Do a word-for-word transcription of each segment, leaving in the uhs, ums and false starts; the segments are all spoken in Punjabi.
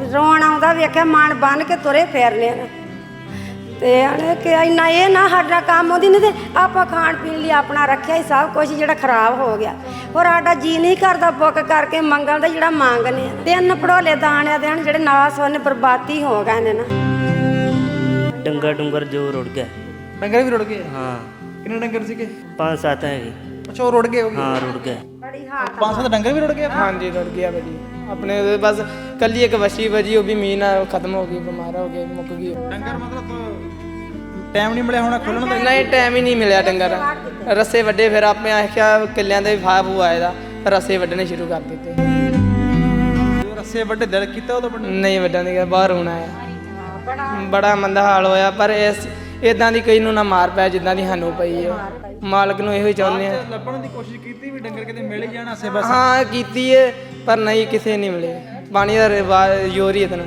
ਰੋਣ ਆਉਂਦਾ ਵੇਖਿਆ ਮਨ ਬੰਨ ਕੇ ਤੁਰੇ ਫਿਰਨੇ ਨੇ ਤੇ ਆਣੇ ਕਿ ਇੰਨਾ ਇਹ ਨਾ ਸਾਡਾ ਕੰਮ ਉਹਦੀ ਨਹੀਂ ਤੇ ਆਪਾਂ ਖਾਣ ਪੀਣ ਲਈ ਆਪਣਾ ਰੱਖਿਆ ਹੀ ਸਭ ਕੁਝ ਜਿਹੜਾ ਖਰਾਬ ਹੋ ਗਿਆ ਹੋਰ ਸਾਡਾ ਜੀ ਨਹੀਂ ਕਰਦਾ ਬੁੱਕ ਕਰਕੇ ਮੰਗਣ ਦਾ ਜਿਹੜਾ ਮੰਗਨੇ ਤਿੰਨ ਪੜੋਲੇ ਦਾਣਿਆਂ ਦੇ ਹਨ ਜਿਹੜੇ ਨਾਸ ਉਹਨੇ ਬਰਬਾਦੀ ਹੋ ਗਏ ਨੇ ਨਾ ਡੰਗਰ ਡੁੰਗਰ ਜੋ ਰੁੜ ਗਿਆ ਡੰਗਰ ਵੀ ਰੁੜ ਗਏ ਹਾਂ ਕਿੰਨੇ ਡੰਗਰ ਸੀਗੇ ਪੰਜ ਸੱਤ ਹੈਗੇ ਅੱਛਾ ਉਹ ਰੁੜ ਗਏ ਹੋ ਗਏ ਹਾਂ ਰੁੜ ਗਏ ਬੜੀ ਹਾਲਤ ਪੰਜ ਸੱਤ ਡੰਗਰ ਵੀ ਰੁੜ ਗਏ हाँ जी रुड़ गया भाजी अपने उधर बस कल ही एक वशी बजी वो भी मीना खत्म हो गई बीमार हो गई मुक गई ਡੰਗਰ ਮਤਲਬ ਟਾਈਮ ਨਹੀਂ ਮਿਲਿਆ ਹੋਣਾ ਖੋਲਣ ਦਾ नहीं टाइम ही नहीं मिला डंगर रस्से वड्डे फिर आपने आख्या किलियां दे भाव हुआ है रस्से वड्डने शुरू कर देते ਜੋ ਰੱਸੇ ਵੱਡੇ ਦਿਲ ਕੀਤਾ ਉਹ ਤਾਂ ਵੱਡੇ नहीं वड्डा नहीं गया बाहर होना है बड़ा मंदा हाल होया पर इस इदां दी कई नूं ना मार पै जिद्दां दी सानूं पई है मालक नूं ਇਹੋ ਹੀ ਚਾਹੁੰਦੇ ਆ ਲੱਭਣ ਦੀ ਕੋਸ਼ਿਸ਼ ਕੀਤੀ ਵੀ ਡੰਗਰ ਕਿਤੇ ਮਿਲ ਹੀ ਜਾਣ ਆਸੇ ਪਾਸੇ हाँ कीती है पर नहीं किसे नहीं मिले पानी का रिवाज जोर ही इतना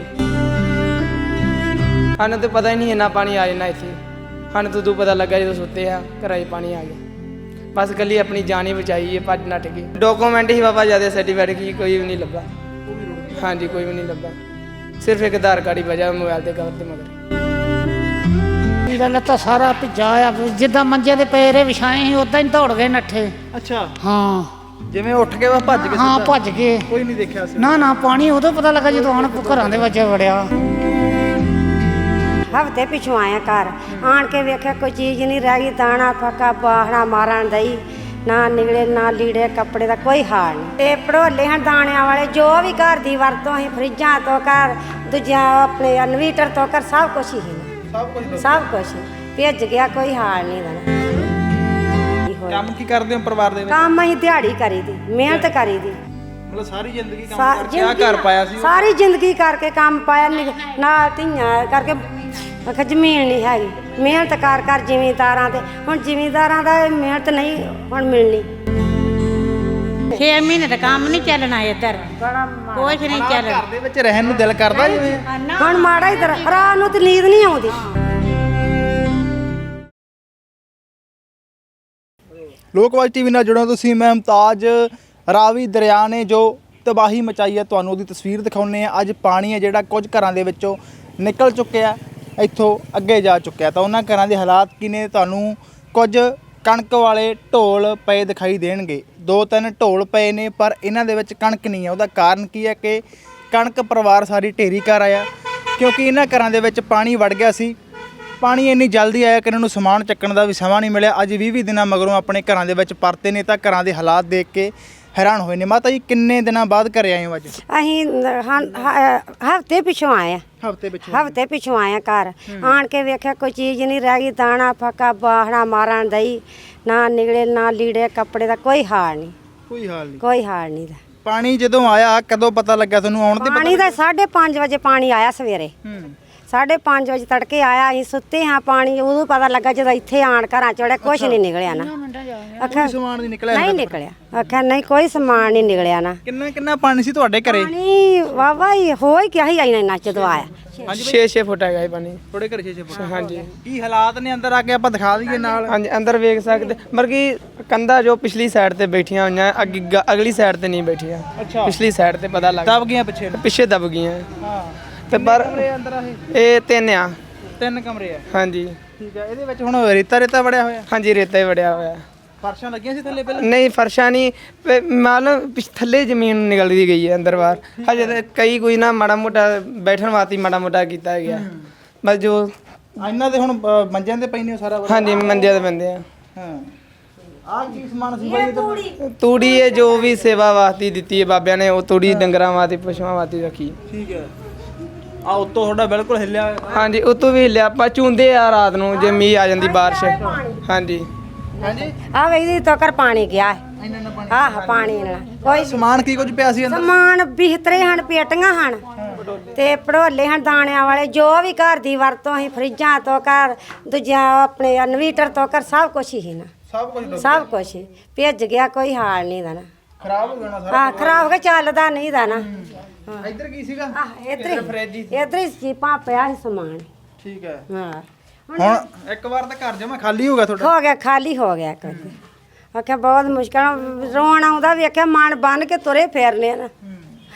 सानूं तो पता ही नहीं इन्ना पानी आ जाना इत्थे सानूं तो तू पता लगा जो सुते हैं घर ही पानी आ गया बस कल अपनी जान ही बचाई है भज नट गई डॉक्यूमेंट ही बाबा ज़्यादा सर्टिफिकेट की कोई भी नहीं लभा हाँ जी कोई भी नहीं लभा सिर्फ एक आधार कार्ड ही बजा मोबाइल के कवर के मगर ਇਹਦਾ ਲੱਤਾ ਸਾਰਾ ਭਿੱਜਾ ਆ ਜਿੱਦਾਂ ਮੰਜੇ ਦੇ ਪਏ ਰੇ ਵਿਛਾਏ ਸੀ ਉਦਾਂ ਹੀ ਦੌੜ ਗਏ ਨੱਠੇ ਅੱਛਾ ਹਾਂ ਜਿਵੇਂ ਉੱਠ ਕੇ ਬਸ ਭੱਜ ਕੇ ਹਾਂ ਸਿੱਧਾ? ਭੱਜ ਗਏ ਕੋਈ ਨਹੀਂ ਦੇਖਿਆ ਸੀ ਨਾ ਨਾ ਪਾਣੀ ਉਦੋਂ ਪਤਾ ਲੱਗਾ ਜਦੋਂ ਆਣ ਘਰਾਂ ਦੇ ਵਿੱਚ ਵੜਿਆ ਹਫ਼ਤੇ ਪਿਛੋਂ ਆਇਆ ਘਰ ਆਣ ਕੇ ਵੇਖਿਆ ਕੋਈ ਚੀਜ਼ ਨਹੀਂ ਰਹਿ ਗਈ ਦਾਣਾ ਫੱਕਾ ਬਾਹਣਾ ਮਾਰਨ ਦਈ ਨਾ ਨਿਕਲੇ ਨਾ ਲੀੜੇ ਕੱਪੜੇ ਦਾ ਕੋਈ ਹਾਲ ਨਹੀਂ ਤੇ ਪੜੋਲੇ ਹਨ ਦਾਣਿਆਂ ਵਾਲੇ ਜੋ ਵੀ ਘਰ ਦੀ ਵਰਤੋਂ ਅਸੀਂ ਫਰਿੱਜਾਂ ਤੋਂ ਕਰ ਦੂਜਿਆਂ ਆਪਣੇ ਇਨਵੀਟਰ ਤੋਂ ਕਰ ਸਭ ਕੁਝ ਹੀ ਨਾ ਸਭ ਕੁਝ ਸਭ ਕੁਝ ਭਿੱਜ ਗਿਆ ਕੋਈ ਹਾਲ ਨਹੀਂ ਦਾ ਕੰਮ ਕੀ ਕਰਦੇ ਹੋ ਪਰਿਵਾਰ ਦੇ ਵਿੱਚ ਕੰਮ ਅਸੀਂ ਦਿਹਾੜੀ ਕਰੀ ਦੀ ਮਿਹਨਤ ਕਰੀ ਦੀ ਮਤਲਬ ਸਾਰੀ ਜ਼ਿੰਦਗੀ ਕੰਮ ਸਾ- ਕਰਕੇ ਆ ਜ਼ਿੰਦਗੀ ਘਰ ਪਾਇਆ ਸੀ ਸਾਰੀ ਜ਼ਿੰਦਗੀ ਕਰਕੇ ਕੰਮ ਪਾਇਆ ਨਿਕ- ਨਾਲ ਧੀਆਂ ਕਰਕੇ ਆਖਿਆ ਜ਼ਮੀਨ ਨਹੀਂ ਹੈਗੀ ਮਿਹਨਤ ਕਰ ਕਰ ਜ਼ਿਮੀਂਦਾਰਾਂ ਤੇ ਹੁਣ ਜ਼ਿਮੀਂਦਾਰਾਂ ਦਾ ਮਿਹਨਤ ਨਹੀਂ ਹੁਣ ਮਿਲਣੀ ਛੇ ਮਹੀਨੇ ਦਾ ਕੰਮ ਨਹੀਂ ਚੱਲਣਾ ਇੱਧਰ ਕੁਛ ਨਹੀਂ ਚੱਲਣਾ ਘਰ ਦੇ ਵਿੱਚ ਰਹਿਣ ਨੂੰ ਦਿਲ ਕਰਦਾ ਜਿਵੇਂ ਹੁਣ ਮਾੜਾ ਹੀ ਤਰ੍ਹਾਂ ਰਾਤ ਨੂੰ ਤੇ ਨੀਂਦ ਨਹੀਂ ਆਉਂਦੀ ਲੋਕਵਾਜ ਟੀਵੀ ਨਾਲ ਜੁੜੋ ਤੁਸੀਂ ਮੈਂ ਮੁਮਤਾਜ ਰਾਵੀ ਦਰਿਆ ਨੇ ਜੋ ਤਬਾਹੀ ਮਚਾਈ ਹੈ ਤੁਹਾਨੂੰ ਉਹਦੀ ਤਸਵੀਰ ਦਿਖਾਉਂਦੇ ਆ ਅੱਜ ਪਾਣੀ ਹੈ ਜਿਹੜਾ ਕੁਝ ਘਰਾਂ ਦੇ ਵਿੱਚੋਂ ਨਿਕਲ ਚੁੱਕਿਆ ਇੱਥੋਂ ਅੱਗੇ ਜਾ ਚੁੱਕਿਆ ਤਾਂ ਉਹਨਾਂ ਘਰਾਂ ਦੇ ਹਾਲਾਤ ਕੀ ਨੇ ਤੁਹਾਨੂੰ ਕੁਝ ਕਣਕ ਵਾਲੇ ਢੋਲ ਪਏ ਦਿਖਾਈ ਦੇਣਗੇ ਦੋ ਤਿੰਨ ਢੋਲ ਪਏ ਨੇ ਪਰ ਇਹਨਾਂ ਦੇ ਵਿੱਚ ਕਣਕ ਨਹੀਂ ਹੈ ਉਹਦਾ ਕਾਰਨ ਕੀ ਹੈ ਕਿ ਕਣਕ ਪਰਿਵਾਰ ਸਾਰੀ ਢੇਰੀ ਕਰ ਆਇਆ ਕਿਉਂਕਿ ਇਹਨਾਂ ਘਰਾਂ ਦੇ ਵਿੱਚ ਪਾਣੀ ਵੜ ਗਿਆ ਸੀ ਪਾਣੀ ਇੰਨੀ ਜਲਦੀ ਆਇਆ ਕਿ ਇਹਨਾਂ ਨੂੰ ਸਮਾਨ ਚੱਕਣ ਦਾ ਵੀ ਸਮਾਂ ਨਹੀਂ ਮਿਲਿਆ ਅੱਜ ਵੀਹ ਵੀਹ ਦਿਨਾਂ ਮਗਰੋਂ ਆਪਣੇ ਘਰਾਂ ਦੇ ਵਿੱਚ ਪਰਤੇ ਨੇ ਤਾਂ ਘਰਾਂ ਦੇ ਹਾਲਾਤ ਦੇਖ ਕੇ ਹੈਰਾਨ ਹੋਏ ਨੇ ਮਾਤਾ ਜੀ ਕਿੰਨੇ ਦਿਨਾਂ ਬਾਅਦ ਘਰੇ ਆਏ ਹੋ ਅੱਜ ਅਸੀਂ ਹਫ਼ਤੇ ਪਿਛੋਂ ਆਏ ਆ ਹਫ਼ਤੇ ਪਿੱਛੇ ਹਫ਼ਤੇ ਪਿਛੋਂ ਆਇਆ ਘਰ ਆਣ ਕੇ ਵੇਖਿਆ ਕੋਈ ਚੀਜ਼ ਨਹੀਂ ਰਹਿ ਗਈ ਦਾਣਾ ਫੱਕਾ ਬਾਹਣਾ ਮਾਰਨ ਦਈ ਨਾ ਨਿਕਲੇ ਨਾ ਲੀੜੇ ਕੱਪੜੇ ਦਾ ਕੋਈ ਹਾਲ ਨਹੀਂ ਕੋਈ ਹਾਲ ਨਹੀਂ ਕੋਈ ਹਾਲ ਨਹੀਂ ਦਾ ਪਾਣੀ ਜਦੋਂ ਆਇਆ ਕਦੋਂ ਪਤਾ ਲੱਗਾ ਤੁਹਾਨੂੰ ਆਉਣ ਤੇ ਪਾਣੀ ਦਾ ਸਾਢੇ ਪੰਜ ਵਜੇ ਪਾਣੀ ਆਇਆ ਸਵੇਰੇ ਹੂੰ ਸਾਢੇ ਪੰਜ ਵਜੇ ਤੜਕੇ ਆਇਆ ਅਸੀਂ ਸੁੱਤੇ ਹਾਂ ਪਾਣੀ ਉਦੋਂ ਪਤਾ ਲੱਗਾ ਜਦੋਂ ਇੱਥੇ ਆਣ ਘਰਾਂ ਚੜਿਆ ਕੁਛ ਨਹੀਂ ਨਿਕਲਿਆ ਨਾ ਆਖਿਆ ਸਮਾਨ ਨਹੀਂ ਨਿਕਲਿਆ ਨਹੀਂ ਨਿਕਲਿਆ ਆਖਿਆ ਨਹੀਂ ਕੋਈ ਸਮਾਨ ਨਹੀਂ ਨਿਕਲਿਆ ਨਾ ਕਿੰਨਾ ਕਿੰਨਾ ਪਾਣੀ ਸੀ ਤੁਹਾਡੇ ਘਰੇ ਪਾਣੀ ਵਾਵਾ ਹੀ ਹੋ ਹੀ ਗਿਆ ਹੀ ਆਈ ਨਾ ਜਦੋਂ ਆਇਆ छे छे फुट है पानी ਥੋੜੇ ਘਰੇ ਛੇ ਛੇ ਫੁੱਟ हाँ जी ਕੀ ਹਾਲਾਤ ਨੇ ਅੰਦਰ ਆ ਕੇ ਆਪਾਂ ਦਿਖਾ ਦਈਏ ਨਾਲ हाँ जी अंदर वेख सकते बल्कि कंधा जो पिछली साइड ते बैठियां हुई हैं अग- अगली साइड ते नहीं बैठियां अच्छा पिछली साइड ते पता लग ਦਬ ਗਈਆਂ ਪਿੱਛੇ ਨੂੰ। पिछे दब गई हैं ਹਾਂ ते पर ਕਮਰੇ ਅੰਦਰ ਆ ਇਹ ये तीन आ ਤਿੰਨ ਕਮਰੇ ਆ हाँ जी ਠੀਕ ਹੈ ਇਹਦੇ ਵਿੱਚ ਹੁਣ ਰੇਤਾ ਰੇਤਾ ਵੜਿਆ ਹੋਇਆ हाँ जी रेता ही वड़िया हुआ है ਫਰਸ਼ਾਂ ਲੱਗੀਆਂ ਸੀ ਥੱਲੇ ਪਹਿਲਾਂ नहीं फर्शा नहीं मतलब पिछ थल्ले जमीन निकल दी गई है अंदर बाहर हजे ते कई कोई ना माड़ा मोटा बैठन वास्ते माड़ा मोटा किया गया बस जो ਇਹਨਾਂ ਦੇ ਹੁਣ ਅ, ਮੰਜਿਆਂ ਤੇ ਪਈ ਨੇ ਉਹ ਸਾਰਾ ਕੁਝ। हाँ जी मंदिर दे बंदे हैं ਹਾਂ ਆਹ ਕੀ ਸਮਾਨ ਸੀ ਬਾਈ ਇਹਦਾ? तूड़ी है जो भी सेवा वास्ते दी है बाबिया ने वो तूड़ी डंगरा वास्ते पशुओं वास्ते रखी ਠੀਕ ਹੈ ਆ ਉੱਤੋਂ ਤੁਹਾਡਾ ਬਿਲਕੁਲ ਹਿੱਲਿਆ ਹੋਇਆ। हाँ जी उतो भी लिया ਆਪਾਂ ਝੂੰਦੇ ਆ ਰਾਤ ਨੂੰ ਜੇ ਮੀਂਹ ਆ ਜਾਂਦੀ ਬਾਰਿਸ਼ हाँ जी ਹਾਂਜੀ ਆ ਵੇਖਦੀ ਤੋਂ ਕਰ ਪਾਣੀ ਗਿਆ ਇੰਨਾ ਇੰਨਾ ਪਾਣੀ ਆਹ ਪਾਣੀ ਨਾਲ ਕੋਈ ਸਮਾਨ ਕੀ ਕੁਝ ਪਿਆ ਸੀ ਅੰਦਰ ਸਮਾਨ ਬਿਹਤਰੇ ਹਨ ਪੇਟੀਆਂ ਹਨ ਤੇ ਪੜੋਲੇ ਹਨ ਦਾਣਿਆਂ ਵਾਲੇ ਜੋ ਵੀ ਘਰ ਦੀ ਵਰਤੋਂ ਅਸੀਂ ਫਰਿੱਜਾਂ ਤੋਂ ਕਰ ਦੂਜਿਆਂ ਆਪਣੇ ਇਨਵੀਟਰ ਤੋਂ ਕਰ ਸਭ ਕੁਝ ਹੀ ਨਾ ਸਭ ਕੁਝ ਸਭ ਕੁਝ ਭਿੱਜ ਗਿਆ ਕੋਈ ਹਾਲ ਨਹੀਂ ਦਾ ਨਾ ਖਰਾਬ ਹੋ ਜਾਣਾ ਸਾਰਾ ਆ ਖਰਾਬ ਹੋ ਗਿਆ ਚੱਲਦਾ ਨਹੀਂ ਦਾ ਨਾ ਇੱਧਰ ਕੀ ਸੀਗਾ ਆਹ ਇਧਰ ਇਧਰ ਹੀ ਚੀਪਾਂ ਪਿਆ ਸੀ ਸਮਾਨ ਠੀਕ ਹੈ ਹਾਂ ਹੁਣ ਇੱਕ ਵਾਰ ਤਾਂ ਘਰ ਜਮਾ ਖਾਲੀ ਹੋ ਗਿਆ ਤੁਹਾਡਾ ਹੋ ਗਿਆ ਖਾਲੀ ਹੋ ਗਿਆ ਕਰ ਆਖਿਆ ਬਹੁਤ ਮੁਸ਼ਕਲ ਰੋਣ ਆਉਂਦਾ ਵੇਖਿਆ ਮਨ ਬੰਨ ਕੇ ਤੁਰੇ ਫਿਰਨੇ ਨਾ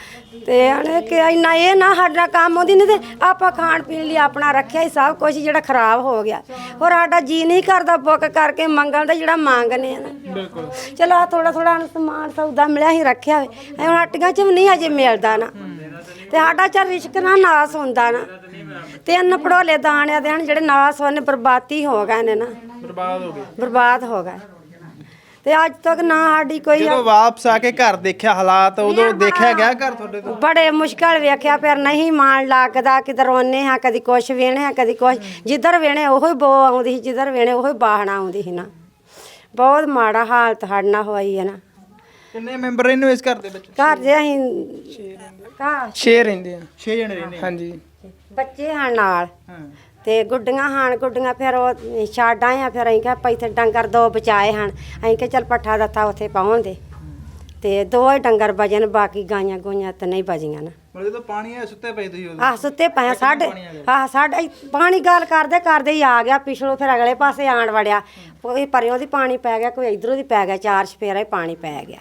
ਤੇ ਅਣੇ ਕਿ ਇੰਨਾ ਇਹ ਨਾ ਸਾਡਾ ਕੰਮ ਉਹਦੀ ਨਹੀਂ ਤੇ ਆਪਾਂ ਖਾਣ ਪੀਣ ਲਈ ਆਪਣਾ ਰੱਖਿਆ ਹੀ ਸਭ ਕੁਝ ਜਿਹੜਾ ਖਰਾਬ ਹੋ ਗਿਆ। ਹੋਰ ਸਾਡਾ ਜੀ ਨਹੀਂ ਕਰਦਾ ਬੁੱਕ ਕਰਕੇ ਮੰਗਣ ਦਾ ਜਿਹੜਾ ਮੰਗਨੇ ਆ ਨਾ। ਬਿਲਕੁਲ ਚਲੋ ਆ ਥੋੜਾ ਥੋੜਾ ਸਮਾਨ ਸੌਦਾ ਮਿਲਿਆ ਹੀ ਰੱਖਿਆ ਹੋਵੇ ਹੁਣ ਹੱਟੀਆਂ 'ਚ ਵੀ ਨਹੀਂ ਅਜੇ ਮਿਲਦਾ ਨਾ ਤੇ ਸਾਡਾ ਚੱਲ ਰਿਸ਼ਕ ਨਾ ਨਾਸ ਹੁੰਦਾ ਨਾ। ਤਿੰਨ ਪੜੋਲੇ ਦਾਣਿਆਂ ਦੇ ਹਨ ਜਿਹੜੇ ਨਾਸ ਹੋਣੇ ਬਰਬਾਦੀ ਹੋ ਗਏ ਨੇ ਨਾ ਬਰਬਾਦ ਹੋ ਗਏ ਬਰਬਾਦ ਹੋ ਗਏ ਤੇ ਅੱਜ ਤੱਕ ਨਾ ਸਾਡੀ ਕੋਈ ਜਦੋਂ ਵਾਪਸ ਆ ਕੇ ਘਰ ਦੇਖਿਆ ਹਾਲਾਤ ਉਦੋਂ ਦੇਖਿਆ ਗਿਆ ਘਰ ਤੁਹਾਡੇ ਤੋਂ ਬੜੇ ਮੁਸ਼ਕਲ ਵੇਖਿਆ ਫਿਰ ਨਹੀਂ ਮਾਣ ਲੱਗਦਾ ਕਿਧਰ ਰੋਨੇ ਹਾਂ ਕਦੀ ਕੁਛ ਵੇਣੇ ਹਾਂ ਕਦੀ ਕੁਛ ਜਿੱਧਰ ਵੇਣੇ ਉਹੀ ਬੋ ਆਉਂਦੀ ਸੀ ਜਿੱਧਰ ਵੇਣੇ ਉਹੀ ਬਾਹਣਾ ਆਉਂਦੀ ਸੀ ਨਾ। ਬਹੁਤ ਮਾੜਾ ਹਾਲਤ ਸਾਡੇ ਨਾਲ ਹੋਈ ਹੈ ਨਾ। ਕਿੰਨੇ ਮੈਂਬਰ ਰਹਿੰਦੇ ਹੋ ਇਸ ਘਰ ਦੇ ਵਿੱਚ? ਘਰ ਦੇ ਅਸੀਂ ਘਰ ਛੇ ਰਹਿੰਦੇ ਆ। ਛੇ ਜਣੇ ਰਹਿੰਦੇ ਹਾਂਜੀ ਬੱਚੇ ਹਨ ਨਾਲ ਹਾਂ ਤੇ ਗੁੱਡੀਆਂ ਹਨ ਗੁੱਡੀਆਂ ਫਿਰ ਉਹ ਛੱਡ ਆਏ ਆ ਫਿਰ ਅਸੀਂ ਕਿਹਾ ਭਾਈ ਇੱਥੇ ਡੰਗਰ ਦੋ ਬਚਾਏ ਹਨ ਅਸੀਂ ਕਿਹਾ ਚੱਲ ਪੱਠਾ ਦਿੱਤਾ ਉੱਥੇ ਪਾਉਣ ਦੇ ਤੇ ਦੋ ਹੀ ਡੰਗਰ ਬਜਨ ਬਾਕੀ ਗਾਈਆਂ ਗੋਈਆਂ ਤਾਂ ਨਹੀਂ ਬਜੀਆਂ ਨਾ। ਮਤਲਬ ਜਦੋਂ ਪਾਣੀ ਆਇਆ ਸੁੱਤੇ ਪਏ ਤੁਸੀਂ ਉਦੋਂ? ਆਹ ਸੁੱਤੇ ਪਏ ਆ ਸਾਡੇ ਆਹ ਸਾਡੇ ਪਾਣੀ ਗੱਲ ਕਰਦੇ ਕਰਦੇ ਹੀ ਆ ਗਿਆ ਪਿਛਲੋਂ ਫਿਰ ਅਗਲੇ ਪਾਸੇ ਆਣ ਵੜਿਆ ਕੋਈ ਪਰਿਓਂ ਦੀ ਪਾਣੀ ਪੈ ਗਿਆ ਕੋਈ ਇਧਰੋਂ ਦੀ ਪੈ ਗਿਆ ਚਾਰ ਚਫੇਰਾ ਹੀ ਪਾਣੀ ਪੈ ਗਿਆ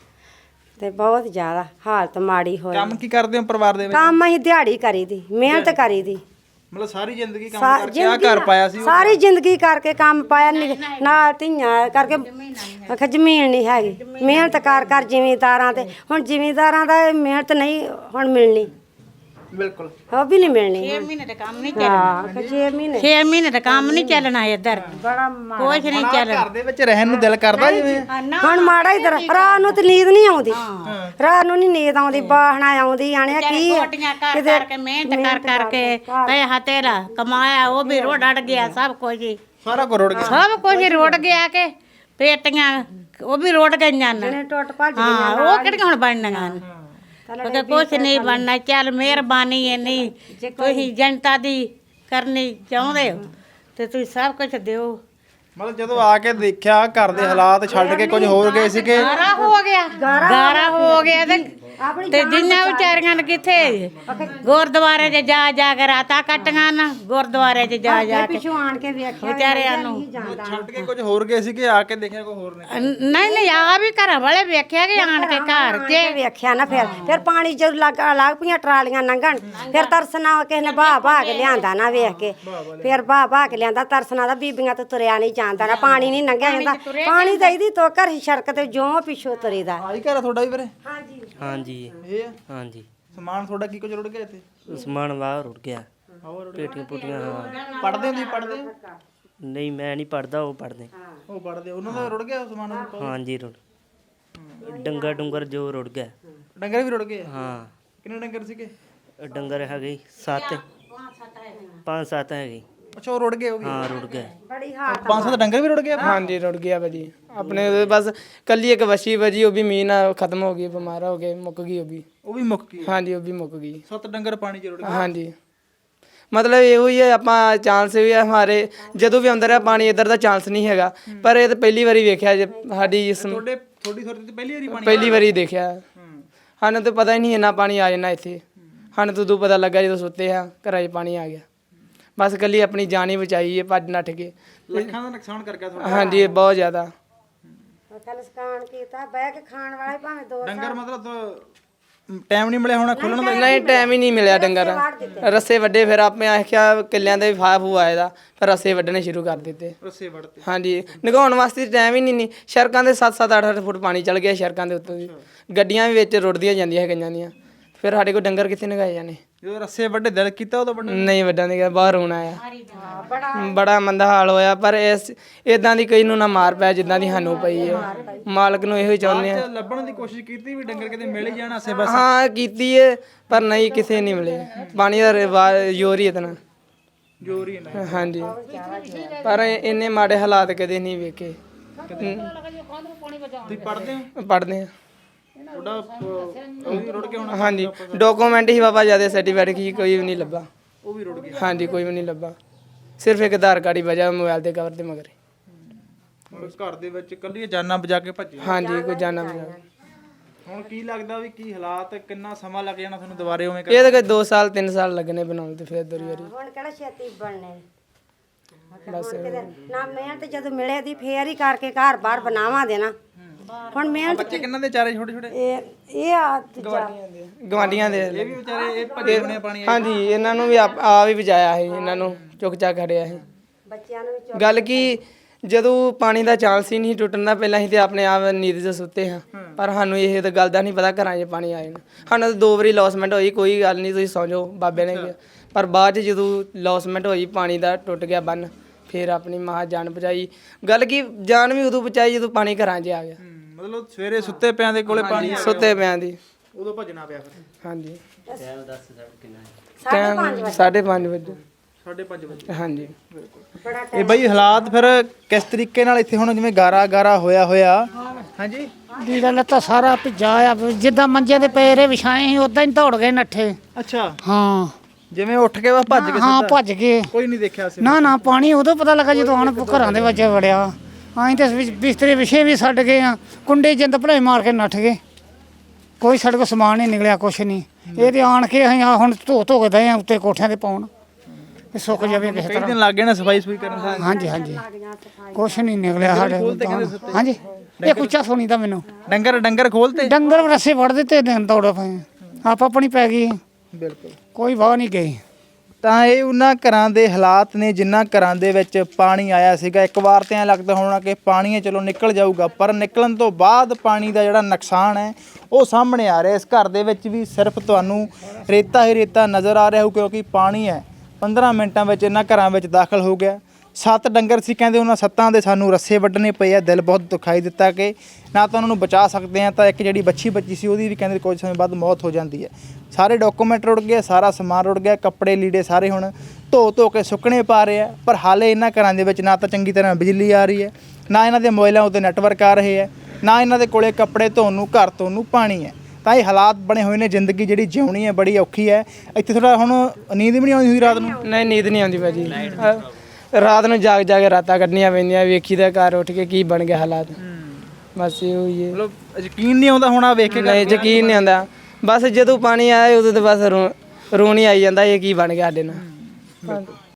ਤੇ ਬਹੁਤ ਜ਼ਿਆਦਾ ਹਾਲਤ ਮਾੜੀ ਹੋਈ। ਕੰਮ ਕੀ ਕਰਦੇ ਹੋ ਪਰਿਵਾਰ ਦੇ ਵਿੱਚ? ਕੰਮ ਅਸੀਂ ਦਿਹਾੜੀ ਕਰੀ ਦੀ ਮਿਹਨਤ ਕਰੀ ਦੀ ਮਤਲਬ ਸਾਰੀ ਜ਼ਿੰਦਗੀ ਕੰਮ ਸਾ- ਕਰਕੇ ਆ ਘਰ ਪਾਇਆ ਸੀ? ਸਾਰੀ ਜ਼ਿੰਦਗੀ ਕਰਕੇ ਕੰਮ ਪਾਇਆ ਨੀ- ਨਾਲ ਧੀਆਂ ਕਰਕੇ ਆਖਿਆ ਜ਼ਮੀਨ ਨਹੀਂ ਹੈਗੀ ਮਿਹਨਤ ਕਰ ਕਰ ਜ਼ਿਮੀਂਦਾਰਾਂ ਤੇ ਹੁਣ ਜ਼ਿਮੀਂਦਾਰਾਂ ਦਾ ਇਹ ਮਿਹਨਤ ਨਹੀਂ ਹੁਣ ਮਿਲਣੀ ਬਿਲਕੁਲ ਉਹ ਵੀ ਨਹੀਂ ਮਿਲਣੀ ਛੇ ਮਹੀਨੇ ਦਾ ਕੰਮ ਨਹੀਂ ਚੱਲਣਾ ਹਾਂ ਛੇ ਮਹੀਨੇ ਛੇ ਮਹੀਨੇ ਦਾ ਕੰਮ ਨਹੀਂ ਚੱਲਣਾ ਇੱਧਰ ਬੜਾ ਕੁਛ ਨਹੀਂ ਚੱਲਣਾ ਘਰ ਦੇ ਵਿੱਚ ਰਹਿਣ ਨੂੰ ਦਿਲ ਕਰਦਾ ਜਿਵੇਂ? ਹੁਣ ਮਾੜਾ ਹੀ ਤਰ੍ਹਾਂ ਰਾਤ ਨੂੰ ਤੇ ਨੀਂਦ ਨਹੀਂ ਆਉਂਦੀ ਰਾਤ ਨੂੰ ਨਹੀਂ ਨੀਂਦ ਆਉਂਦੀ ਬਾਹਣਾ ਆਉਂਦੀ ਆਣਿਆ ਕੀ ਆ? ਕੋਟੀਆਂ ਕਰ ਕਰਕੇ ਮਿਹਨਤ ਕਰ ਕਰਕੇ ਪੈਸਾ ਤੇਰਾ ਕਮਾਇਆ ਉਹ ਵੀ ਰੋੜ ਅੜ ਗਿਆ ਸਭ ਕੁਝ ਹੀ ਸਾਰਾ ਕੁਝ ਰੁੜ ਗਿਆ। ਸਭ ਕੁਝ ਹੀ ਰੋੜ ਗਿਆ ਕਿ ਪੇਟੀਆਂ ਉਹ ਵੀ ਰੋੜ ਗਈਆਂ ਨੇ ਨੇ ਟੁੱਟ ਭੱਜ ਹਾਂ ਉਹ ਕਿਹੜੀਆਂ ਹੁਣ ਬਣਨੀਆਂ ਨੇ ਕਿਉਂਕਿ ਕੁਛ ਨਹੀਂ ਬਣਨਾ ਚੱਲ ਮਿਹਰਬਾਨੀ ਹੈ ਨਹੀਂ ਤੁਸੀਂ ਜਨਤਾ ਦੀ ਕਰਨੀ ਚਾਹੁੰਦੇ ਹੋ ਤੇ ਤੁਸੀਂ ਸਭ ਕੁਝ ਦਿਓ ਮਤਲਬ ਜਦੋਂ ਆ ਕੇ ਦੇਖਿਆ ਘਰ ਦੇ ਹਾਲਾਤ ਛੱਡ ਕੇ ਕੁਝ ਹੋਰ ਗਏ ਸੀਗੇ? ਗਾਰਾ ਹੋ ਗਿਆ ਗਾਰਾ ਹੋ ਗਿਆ ਤੇ ਤੇ ਜਿੰਨਾ ਵਿਚਾਰੀਆਂ ਨੇ ਕਿੱਥੇ ਗੁਰਦੁਆਰੇ 'ਚ ਜਾ ਜਾ ਕੇ ਰਾਤਾਂ ਕੱਟੀਆਂ ਨਾ ਗੁਰਦੁਆਰੇ 'ਚ ਜਾ ਜਾ ਕੇ ਪਿਛੋਂ ਆਣ ਕੇ ਵੇਖਿਆ ਵਿਚਾਰਿਆਂ ਨੂੰ ਛੱਡ ਕੇ ਕੁਝ ਹੋਰ ਗਏ ਸੀਗੇ ਆ ਕੇ ਦੇਖਿਆ ਕੋਈ ਹੋਰ ਨੇ? ਨਹੀਂ ਨਹੀਂ ਆ ਵੀ ਘਰਾਂ ਵਾਲੇ ਵੇਖਿਆ ਕਿ ਆਣ ਕੇ ਘਰ 'ਚ ਵੇਖਿਆ ਨਾ ਫਿਰ ਫਿਰ ਪਾਣੀ ਜਦੋਂ ਲੱਗ ਲੱਗ ਪਈਆਂ ਟਰਾਲੀਆਂ ਲੰਘਣ ਫਿਰ ਤਰਸਨਾ ਕਿਸੇ ਨੇ ਬਾਹ ਬਾਹ ਕੇ ਲਿਆਂਦਾ ਨਾ ਵੇਖ ਕੇ ਫਿਰ ਬਾਹ ਬਾਹ ਕੇ ਲਿਆਂਦਾ ਤਰਸਨਾ ਦਾ ਬੀਬੀਆਂ ਤੋਂ ਤੁਰਿਆ ਨਹੀਂ ਜਾਂਦਾ ਨਾ ਪਾਣੀ ਨਹੀਂ ਲੰਘਿਆ ਜਾਂਦਾ ਪਾਣੀ ਤਾਂ ਇਹਦੀ ਤੋਕਰ ਹੀ ਸੜਕ ਤੇ ਜਿਉਂ ਪਿੱਛੋਂ ਤੁਰੀਦਾ ਆਹੀ ਘਰ ਆ ਤੁਹਾਡਾ ਵੀ ਵੀਰੇ? ਹਾਂਜੀ ਹਾਂਜੀ ਇਹ ਆ? ਹਾਂਜੀ ਸਮਾਨ ਤੁਹਾਡਾ ਕੀ ਕੁਝ ਰੁੜ ਗਿਆ ਇੱਥੇ? ਸਮਾਨ ਬਾਹਰ ਉੱਡ ਗਿਆ ਪੇਟੀਆਂ ਪੁੱਟੀਆਂ ਹਾਂ। ਪੜਦੇ ਹੋ ਤੁਸੀਂ ਪੜਦੇ ਹੋ? ਨਹੀਂ ਮੈਂ ਨਹੀਂ ਪੜਦਾ ਉਹ ਪੜਦੇ ਉਹ ਪੜਦੇ ਉਹਨਾਂ ਦਾ ਰੁੜ ਗਿਆ ਸਮਾਨ? ਹਾਂਜੀ ਰੁੜ ਡੰਗਰ ਡੁੰਗਰ ਜੋ ਰੁੜ ਗਿਆ ਡੰਗਰ ਵੀ ਰੁੜ ਗਏ? ਹਾਂ ਕਿੰਨੇ ਡੰਗਰ ਸੀਗੇ? ਡੰਗਰ ਹੈਗੇ ਸੱਤ ਪੰਜ ਸੱਤ ਹੈਗੇ ਅੱਛਾ ਉਹ ਰੁੜ ਗਏ ਉਹ ਵੀ? ਹਾਂ ਰੁੜ ਗਏ ਬੜੀ ਹਾਲਤ ਪੰਜ ਸੱਤ ਡੰਗਰ ਵੀ ਰੁੜ ਗਏ? ਹਾਂਜੀ ਰੁੜ ਗਿਆ ਭਾਜੀ ਆਪਣੇ ਉਹਦੇ ਬਸ ਕੱਲੀ ਇੱਕ ਵਸ਼ੀ ਭਾਜੀ ਉਹ ਵੀ ਮੀਂਹ ਨਾਲ ਖਤਮ ਹੋ ਗਈ ਬਿਮਾਰ ਹੋ ਗਏ ਮੁੱਕ ਗਈ ਉਹ ਵੀ ਉਹ ਵੀ ਮੁੱਕ ਗਈ? ਹਾਂਜੀ ਉਹ ਵੀ ਮੁੱਕ ਗਈ ਸੱਤ ਡੰਗਰ ਪਾਣੀ 'ਚ ਰੁੜ ਗਏ? ਹਾਂਜੀ ਮਤਲਬ ਇਹੋ ਹੀ ਹੈ ਆਪਾਂ ਚਾਂਸ ਵੀ ਹੈ ਹਮਾਰੇ ਜਦੋਂ ਵੀ ਆਉਂਦਾ ਰਿਹਾ ਪਾਣੀ ਇੱਧਰ ਦਾ ਚਾਂਸ ਨਹੀਂ ਹੈਗਾ ਪਰ ਇਹ ਤਾਂ ਪਹਿਲੀ ਵਾਰੀ ਵੇਖਿਆ ਜੇ ਸਾਡੀ ਇਸ ਤੁਹਾਡੇ ਥੋੜੀ ਥੋੜੀ ਤੇ ਪਹਿਲੀ ਵਾਰੀ ਪਾਣੀ? ਪਹਿਲੀ ਵਾਰੀ ਦੇਖਿਆ ਸਾਨੂੰ ਤਾਂ ਪਤਾ ਹੀ ਨਹੀਂ ਇੰਨਾ ਪਾਣੀ ਆ ਜਾਣਾ ਇੱਥੇ ਸਾਨੂੰ ਤਾਂ ਉਦੋਂ ਪਤਾ ਲੱਗਾ ਜਦੋਂ ਸੁੱਤੇ ਆ ਘਰਾਂ 'ਚ ਪਾਣੀ ਆ ਗਿਆ ਬਸ ਕੱਲੀ ਆਪਣੀ ਜਾਨ ਹੀ ਬਚਾਈ ਹੈ ਭੱਜ ਨੱਠ ਕੇ ਲੱਖਾਂ ਦਾ ਨੁਕਸਾਨ ਕਰ ਗਿਆ ਤੁਹਾਡਾ? ਹਾਂਜੀ ਬਹੁਤ ਜ਼ਿਆਦਾ ਕਲਸਕਾਨ ਕੀਤਾ ਬਹਿ ਕੇ ਖਾਣ ਵਾਲੇ ਭਾਵੇਂ ਦੋ ਡੰਗਰ ਮਤਲਬ ਟਾਈਮ ਨਹੀਂ ਮਿਲਿਆ ਹੋਣਾ ਖੋਲਣ ਦਾ? ਨਹੀਂ ਟਾਈਮ ਹੀ ਨਹੀਂ ਮਿਲਿਆ ਡੰਗਰ ਰੱਸੇ ਵੱਡੇ ਫਿਰ ਆਪੇ ਆਖਿਆ ਕਿੱਲਿਆਂ ਦੇ ਵੀ ਫਾਫ ਆਇਆ ਦਾ ਫਿਰ ਰੱਸੇ ਵੱਢਣੇ ਸ਼ੁਰੂ ਕਰ ਦਿੱਤੇ ਰੱਸੇ ਵੜਤੇ? ਹਾਂਜੀ ਨਗਾਉਣ ਵਾਸਤੇ ਟਾਈਮ ਹੀ ਨਹੀਂ ਨਹੀਂ ਸੜਕਾਂ ਦੇ ਸੱਤ ਸੱਤ ਅੱਠ ਅੱਠ ਫੁੱਟ ਪਾਣੀ ਚੱਲ ਗਿਆ ਸੜਕਾਂ ਦੇ ਉੱਤੋਂ ਦੀ ਗੱਡੀਆਂ ਵੀ ਵਿੱਚ ਰੁੜਦੀਆਂ ਜਾਂਦੀਆਂ ਹੈਗੀਆਂ ਦੀਆਂ ਫਿਰ ਸਾਡੇ ਕੋਲ ਡੰਗਰ ਕਿੱਥੇ ਨਗਾਏ ਜਾਣੇ ਜਦੋਂ ਰੱਸੇ ਵੱਡੇ ਦਿਲ ਕੀਤਾ ਉਦੋਂ ਵੱਡੇ? ਨਹੀਂ ਵੱਡਾ ਨਹੀਂ ਗਿਆ ਬਾਹਰ ਹੋਣਾ ਆ ਬੜਾ ਮੰਦਾ ਹਾਲ ਹੋਇਆ ਪਰ ਇਸ ਇਦਾਂ ਦੀ ਕਈ ਨੂੰ ਨਾ ਮਾਰ ਪਿਆ ਜਿੱਦਾਂ ਦੀ ਸਾਨੂੰ ਪਈ ਹੈ ਮਾਲਕ ਨੂੰ ਇਹੋ ਹੀ ਚਾਹੁੰਦੇ ਆ ਲੱਭਣ ਦੀ ਕੋਸ਼ਿਸ਼ ਕੀਤੀ ਵੀ ਡੰਗਰ ਕਿਤੇ ਮਿਲ ਹੀ ਜਾਣ ਆਸੇ ਬਸ? ਹਾਂ ਕੀਤੀ ਹੈ ਪਰ ਨਹੀਂ ਕਿਸੇ ਨਹੀਂ ਮਿਲੇ ਪਾਣੀ ਦਾ ਰਿਵਾ- ਜ਼ੋਰ ਹੀ ਇਤਨਾ ਜ਼ੋਰ ਹੀ ਨਾ। ਹਾਂਜੀ ਪਰ ਇੰਨੇ ਮਾੜੇ ਹਾਲਾਤ ਕਦੇ ਨਹੀਂ ਵੇਖੇ ਤੁਸੀਂ ਪੜਦੇ ਹੋ? ਪੜ੍ਹਦੇ ਆ ਤੁਹਾਡਾ ਉਹ ਵੀ ਰੁੜ ਗਿਆ ਹੋਣਾ? ਹਾਂਜੀ ਡਾਕੂਮੈਂਟ ਹੀ ਬਾਬਾ ਜਿਆਦਾ ਸਰਟੀਫਿਕੇਟ ਕੀ ਕੋਈ ਵੀ ਨਹੀਂ ਲੱਭਾ ਉਹ ਵੀ ਰੁੜ ਗਿਆ? ਹਾਂਜੀ ਕੋਈ ਵੀ ਨਹੀਂ ਲੱਭਾ ਸਿਰਫ ਇੱਕ ਆਧਾਰ ਕਾਰਡ ਹੀ ਵਜਾ ਮੋਬਾਈਲ ਦੇ ਕਵਰ ਤੇ ਮਗਰ ਹੁਣ ਘਰ ਦੇ ਵਿੱਚ ਕੱਲੀ ਜਾਨਾਂ ਬਜਾ ਕੇ ਭੱਜੇ? ਹਾਂਜੀ ਕੋਈ ਜਾਣਾ ਬਜਾ ਹੁਣ ਕੀ ਲੱਗਦਾ ਵੀ ਕੀ ਹਾਲਾਤ ਕਿੰਨਾ ਸਮਾਂ ਲੱਗ ਜਾਣਾ ਤੁਹਾਨੂੰ ਦੁਬਾਰੇ ਉਵੇਂ ਇਹ ਤਾਂ ਕੋਈ ਦੋ ਸਾਲ ਤਿੰਨ ਸਾਲ ਲੱਗਣੇ ਬਣਾਉਣ ਤੇ ਫਿਰ ਦੋਰੀ ਵਾਰੀ ਹੁਣ ਕਿਹੜਾ ਛੇਤੀ ਬਣਨੇ ਬਸ ਨਾ ਮਿਹਨਤ ਜਦੋਂ ਮਿਲੇ ਦੀ ਫੇਰ ਹੀ ਕਰਕੇ ਘਰ ਬਾਹਰ ਬਣਾਵਾਂ ਦੇ ਨਾ ਹੁਣ ਮਿਹਨਤ ਬੱਚੇ ਕਿੰਨਾਂ ਦੇ ਚਾਰੇ ਛੋਟੇ ਛੋਟੇ ਇਹ ਇਹ ਆ ਦੂਜਾ ਗਵਾਂਡੀਆਂ ਦੇ ਇਹ ਵੀ ਵਿਚਾਰੇ ਇਹ ਭੱਜੇ ਹੋਣੇ ਆ ਪਾਣੀ ਹਾਂਜੀ ਇਹਨਾਂ ਨੂੰ ਵੀ ਆਪ ਆ ਵੀ ਬਚਾਇਆ ਸੀ, ਇਹਨਾਂ ਨੂੰ ਚੁੱਕ ਚੱਕ ਖੜਿਆ ਸੀ। ਬੱਚਿਆਂ ਨੂੰ ਵੀ ਗੱਲ ਕੀ ਜਦੋਂ ਪਾਣੀ ਦਾ ਚਾਂਸ ਹੀ ਨਹੀਂ ਟੁੱਟਣ ਦਾ ਪਹਿਲਾਂ ਹੀ ਤੇ ਆਪਣੇ ਆਪ ਨੀਂਦ 'ਚ ਸੁੱਤੇ ਹਾਂ, ਪਰ ਸਾਨੂੰ ਇਹ ਤਾਂ ਗੱਲ ਦਾ ਨਹੀਂ ਪਤਾ ਘਰਾਂ 'ਚ ਪਾਣੀ ਆ ਜਾਣਾ। ਸਾਨੂੰ ਤਾਂ ਦੋ ਵਾਰੀ ਲੌਸਮੈਂਟ ਹੋਈ, ਕੋਈ ਗੱਲ ਨਹੀਂ ਤੁਸੀਂ ਸੌਂ ਜਾਓ ਬਾਬੇ ਨੇ ਕਿਹਾ, ਪਰ ਬਾਅਦ 'ਚ ਜਦੋਂ ਲੌਸਮੈਂਟ ਹੋਈ ਪਾਣੀ ਦਾ ਟੁੱਟ ਗਿਆ ਬੰਨ, ਫਿਰ ਆਪਣੀ ਮਾਂ ਜਾਨ ਬਚਾਈ। ਗੱਲ ਕੀ ਜਾਨ ਵੀ ਉਦੋਂ ਬਚਾਈ ਜਦੋਂ ਪਾਣੀ ਘਰਾਂ 'ਚ ਆ ਗਿਆ। ਮਤਲਬ ਸਵੇਰੇ ਸੁੱਤੇ ਪਿਆਂ ਦੇ ਕੋਲੇ ਪਾਣੀ ਸੁੱਤੇ ਪਿਆਂ ਦੀ ਉਦੋਂ ਭੱਜਣਾ ਪਿਆ ਫਿਰ ਹਾਂਜੀ ਸਾਢੇ ਪੰਜ ਵਜੇ ਸਾਢੇ ਪੰਜ ਵਜੇ ਸਾਢੇ ਪੰਜ ਵਜੇ ਹਾਂਜੀ। ਬੜਾ ਇਹ ਬਈ ਹਾਲਾਤ ਫਿਰ ਕਿਸ ਤਰੀਕੇ ਨਾਲ ਇੱਥੇ ਹੁਣ ਜਿਵੇਂ ਗਾਰਾ ਗਾਰਾ ਹੋਇਆ ਹੋਇਆ ਹਾਂਜੀ ਲੀੜਾ ਲੱਤਾ ਸਾਰਾ ਭਿੱਜਾ ਆ ਜਿੱਦਾਂ ਮੰਜੇ ਦੇ ਪੇਰੇ ਵਿਛਾਏ ਸੀ ਉਦਾਂ ਹੀ ਦੌੜ ਗਏ ਨੱਠੇ। ਅੱਛਾ ਹਾਂ ਜਿਵੇਂ ਉੱਠ ਕੇ ਬਸ ਭੱਜ ਕੇ ਹਾਂ ਸਿੱਧਾ ਭੱਜ ਗਏ। ਕੋਈ ਨਹੀਂ ਦੇਖਿਆ ਸੀ ਨਾ ਨਾ ਪਾਣੀ ਉਦੋਂ ਪਤਾ ਲੱਗਾ ਜਦੋਂ ਹੁਣ ਘਰਾਂ ਦੇ ਵਿੱਚ ਵੜਿਆ। ਅਸੀਂ ਤੇ ਵਿਚ- ਬਿਸਤਰੇ ਵਿਛੇ ਵੀ ਛੱਡ ਗਏ ਆ, ਕੁੰਡੇ ਜਿੰਦ ਭਲਾਈ ਮਾਰ ਕੇ ਨੱਠ ਗਏ। ਕੋਈ ਸਾਡੇ ਕੋਲ ਸਮਾਨ ਨਹੀਂ ਨਿਕਲਿਆ, ਕੁਛ ਨਹੀਂ। ਇਹ ਤੇ ਆਣ ਕੇ ਅਸੀਂ ਆਹ ਹੁਣ ਧੋ ਧੋ ਕੇ ਦਏ ਆ ਉੱਤੇ ਕੋਠਿਆਂ ਤੇ ਪਾਉਣ, ਇਹ ਸੁੱਕ ਜਾਵੇ ਕਿਸੇ ਕਈ ਤਰ੍ਹਾਂ। ਦਿਨ ਲੱਗ ਗਏ ਨਾ ਸਫਾਈ ਸੁਈ ਕਰਨ। ਹਾਂਜੀ ਹਾਂਜੀ ਕੁਛ ਨਹੀਂ ਨਿਕਲਿਆ ਸਾਡੇ ਕੋਲ ਤਾਂ। ਹਾਂਜੀ ਇਹ ਕੁੱਚਾ ਸੋਣੀ ਦਾ ਮੈਨੂੰ ਡੰਗਰ ਡੰਗਰ ਖੋਲਤੇ ਡੰਗਰ ਰੱਸੇ ਵੜ ਦਿੱਤੇ ਦਿਨ ਦੌੜ ਪਏ ਆਪ ਆਪਣੀ ਪੈ ਗਈ, ਬਿਲਕੁਲ। ਕੋਈ ਵਾਹ ਨਹੀਂ ਗਈ। ਤਾਂ ਇਹ ਉਹਨਾਂ ਘਰਾਂ ਦੇ ਹਾਲਾਤ ਨੇ ਜਿਨ੍ਹਾਂ ਘਰਾਂ ਦੇ ਵਿੱਚ ਪਾਣੀ ਆਇਆ ਸੀਗਾ। ਇੱਕ ਵਾਰ ਤੇ ਐਂ ਲੱਗਦਾ ਹੋਣਾ ਕਿ ਪਾਣੀ ਹੈ ਚਲੋ ਨਿਕਲ ਜਾਊਗਾ, ਪਰ ਨਿਕਲਣ ਤੋਂ ਬਾਅਦ ਪਾਣੀ ਦਾ ਜਿਹੜਾ ਨੁਕਸਾਨ ਹੈ ਉਹ ਸਾਹਮਣੇ ਆ ਰਿਹਾ। ਇਸ ਘਰ ਦੇ ਵਿੱਚ ਵੀ ਸਿਰਫ ਤੁਹਾਨੂੰ ਰੇਤਾ ਹੀ ਰੇਤਾ ਨਜ਼ਰ ਆ ਰਿਹਾ ਹੋ, ਕਿਉਂਕਿ ਪਾਣੀ ਹੈ ਪੰਦਰਾਂ ਮਿੰਟਾਂ ਵਿੱਚ ਇਹਨਾਂ ਘਰਾਂ ਵਿੱਚ ਦਾਖਲ ਹੋ ਗਿਆ। ਸੱਤ ਡੰਗਰ ਸੀ ਕਹਿੰਦੇ, ਉਹਨਾਂ ਸੱਤਾਂ ਦੇ ਸਾਨੂੰ ਰੱਸੇ ਵੱਢਣੇ ਪਏ ਆ। ਦਿਲ ਬਹੁਤ ਦੁਖਾਈ ਦਿੱਤਾ ਕਿ ਨਾ ਤਾਂ ਉਹਨਾਂ ਨੂੰ ਬਚਾ ਸਕਦੇ ਆ, ਤਾਂ ਇੱਕ ਜਿਹੜੀ ਬੱਚੀ ਬੱਚੀ ਸੀ ਉਹਦੀ ਵੀ ਕਹਿੰਦੇ ਕੁਝ ਸਮੇਂ ਬਾਅਦ ਮੌਤ ਹੋ ਜਾਂਦੀ ਹੈ। ਸਾਰੇ ਡਾਕੂਮੈਂਟ ਰੁੜ ਗਏ, ਸਾਰਾ ਸਮਾਨ ਰੁੜ ਗਿਆ, ਕੱਪੜੇ ਲੀੜੇ ਸਾਰੇ ਹੁਣ ਧੋ ਧੋ ਕੇ ਸੁੱਕਣੇ ਪਾ ਰਹੇ ਆ। ਪਰ ਹਾਲੇ ਇਹਨਾਂ ਘਰਾਂ ਦੇ ਵਿੱਚ ਨਾ ਤਾਂ ਚੰਗੀ ਤਰ੍ਹਾਂ ਬਿਜਲੀ ਆ ਰਹੀ ਹੈ, ਨਾ ਇਹਨਾਂ ਦੇ ਮੋਬਾਈਲਾਂ ਉੱਤੇ ਨੈਟਵਰਕ ਆ ਰਹੇ ਹੈ, ਨਾ ਇਹਨਾਂ ਦੇ ਕੋਲੇ ਕੱਪੜੇ ਧੋਣ ਨੂੰ ਘਰ ਧੋਣ ਨੂੰ ਪਾਣੀ ਹੈ। ਤਾਂ ਇਹ ਹਾਲਾਤ ਬਣੇ ਹੋਏ ਨੇ। ਜ਼ਿੰਦਗੀ ਜਿਹੜੀ ਜਿਉਣੀ ਹੈ ਬੜੀ ਔਖੀ ਹੈ। ਇੱਥੇ ਥੋੜਾ ਹੁਣ ਨੀਂਦ ਵੀ ਨਹੀਂ ਆਉਂਦੀ ਹੋਈ ਰਾਤ ਨੂੰ। ਨਹੀਂ ਨੀਂਦ ਨਹੀਂ ਆਉਂਦੀ ਭਾਜੀ, ਅਹ ਰਾਤ ਨੂੰ ਜਾਗ ਜਾ ਕੇ ਰਾਤਾਂ ਕੱਢਣੀਆਂ ਪੈਂਦੀਆਂ, ਵੇਖੀ ਦਾ ਘਰ ਉੱਠ ਕੇ ਕੀ ਬਣ ਗਿਆ ਹਾਲਾਤ। ਬਸ ਇਹੋ ਹੀ ਹੈ। ਮਤਲਬ ਯਕੀਨ ਨਹੀਂ ਆਉਂਦਾ ਹੁਣ ਆ ਵੇਖ ਕੇ। ਨਹੀਂ ਯਕੀਨ ਨਹੀਂ ਆਉਂਦਾ। ਬਸ ਜਦੋਂ ਪਾਣੀ ਆਇਆ ਉਦੋਂ ਤਾਂ ਬਸ ਰੋ ਰੋਣੀ ਆਈ ਜਾਂਦਾ, ਇਹ ਕੀ ਬਣ ਗਿਆ ਸਾਡੇ ਨਾਲ।